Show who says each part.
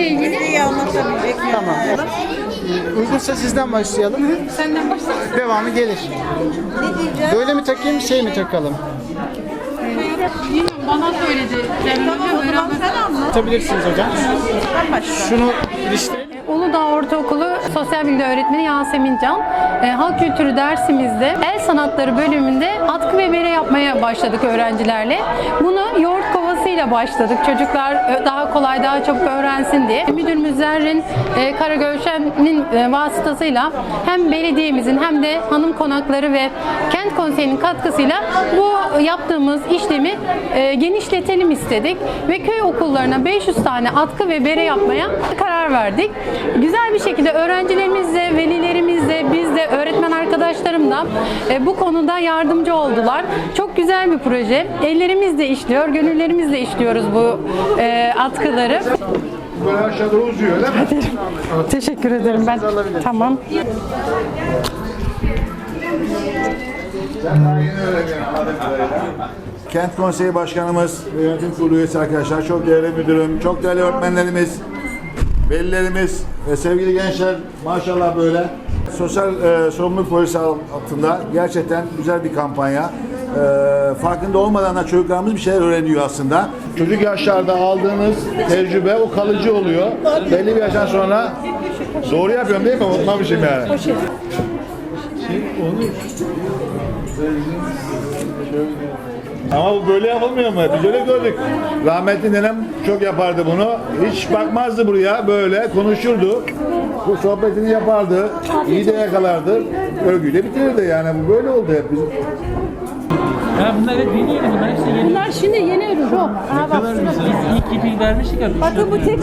Speaker 1: ilgili
Speaker 2: anlatabilecek.
Speaker 3: Tamam. Uygunsa sizden başlayalım.
Speaker 1: senden başlayalım.
Speaker 3: Devamı gelir.
Speaker 2: Ne diyeceğim?
Speaker 3: Böyle mi takayım, şey mi takalım?
Speaker 1: Bilmiyorum, bana söyledi.
Speaker 2: Tamam o zaman sen anlat.
Speaker 3: Atabilirsiniz hocam.
Speaker 2: Ben başla.
Speaker 3: Şunu iliştirelim.
Speaker 4: Uludağ Ortaokulu Sosyal Bilgi Öğretmeni Yasemin Can. Halk kültürü dersimizde el sanatları bölümünde atkı ve bere yapmaya başladık öğrencilerle. Bunu yoğurt kovasıyla başladık. Çocuklar daha kolay, daha çabuk öğrensin diye. Müdürümüz Zerrin Karagölşen'in vasıtasıyla hem belediyemizin hem de hanım konakları ve kent konseyinin katkısıyla bu yaptığımız işlemi genişletelim istedik ve köy okullarına 500 tane atkı ve bere yapmaya karar verdik. Güzel bir şekilde öğrencilerimizle, velilerimizle, biz de öğretmen arkadaşlarım da bu konuda yardımcı oldular. Çok güzel bir proje. Ellerimizle işliyor, gönüllerimizle işliyoruz bu atkıları.
Speaker 5: Böyle aşağıda uzuyor öyle mi?
Speaker 4: Teşekkür ederim ben. Tamam.
Speaker 5: Kent Konseyi Başkanımız, yönetim kurulu üyesi arkadaşlar, çok değerli müdürüm, çok değerli öğretmenlerimiz, velilerimiz ve sevgili gençler, maşallah böyle sosyal sorumluluk projesi altında gerçekten güzel bir kampanya. Farkında olmadan da çocuklarımız bir şeyler öğreniyor aslında. Çocuk yaşlarda aldığınız tecrübe o kalıcı oluyor. Belli bir yaştan sonra doğru yapıyorum değil mi? Unutmamışım yani. Ama bu böyle yapılmıyor mu? Biz öyle gördük. Rahmetli nenem çok yapardı bunu. Hiç bakmazdı buraya. Böyle konuşurdu. Bu sohbetini yapardı. İyi de yakalardı. Örgüyle bitirirdi yani. Bu böyle oldu hep bizim.
Speaker 6: Ya bunlar hep yeni bunlar hepsi yeni.
Speaker 4: Bunlar şimdi yeni ürün.
Speaker 6: Ne kadar güzel. Biz ilk ipi vermiştik ya.
Speaker 2: Bakın bu tek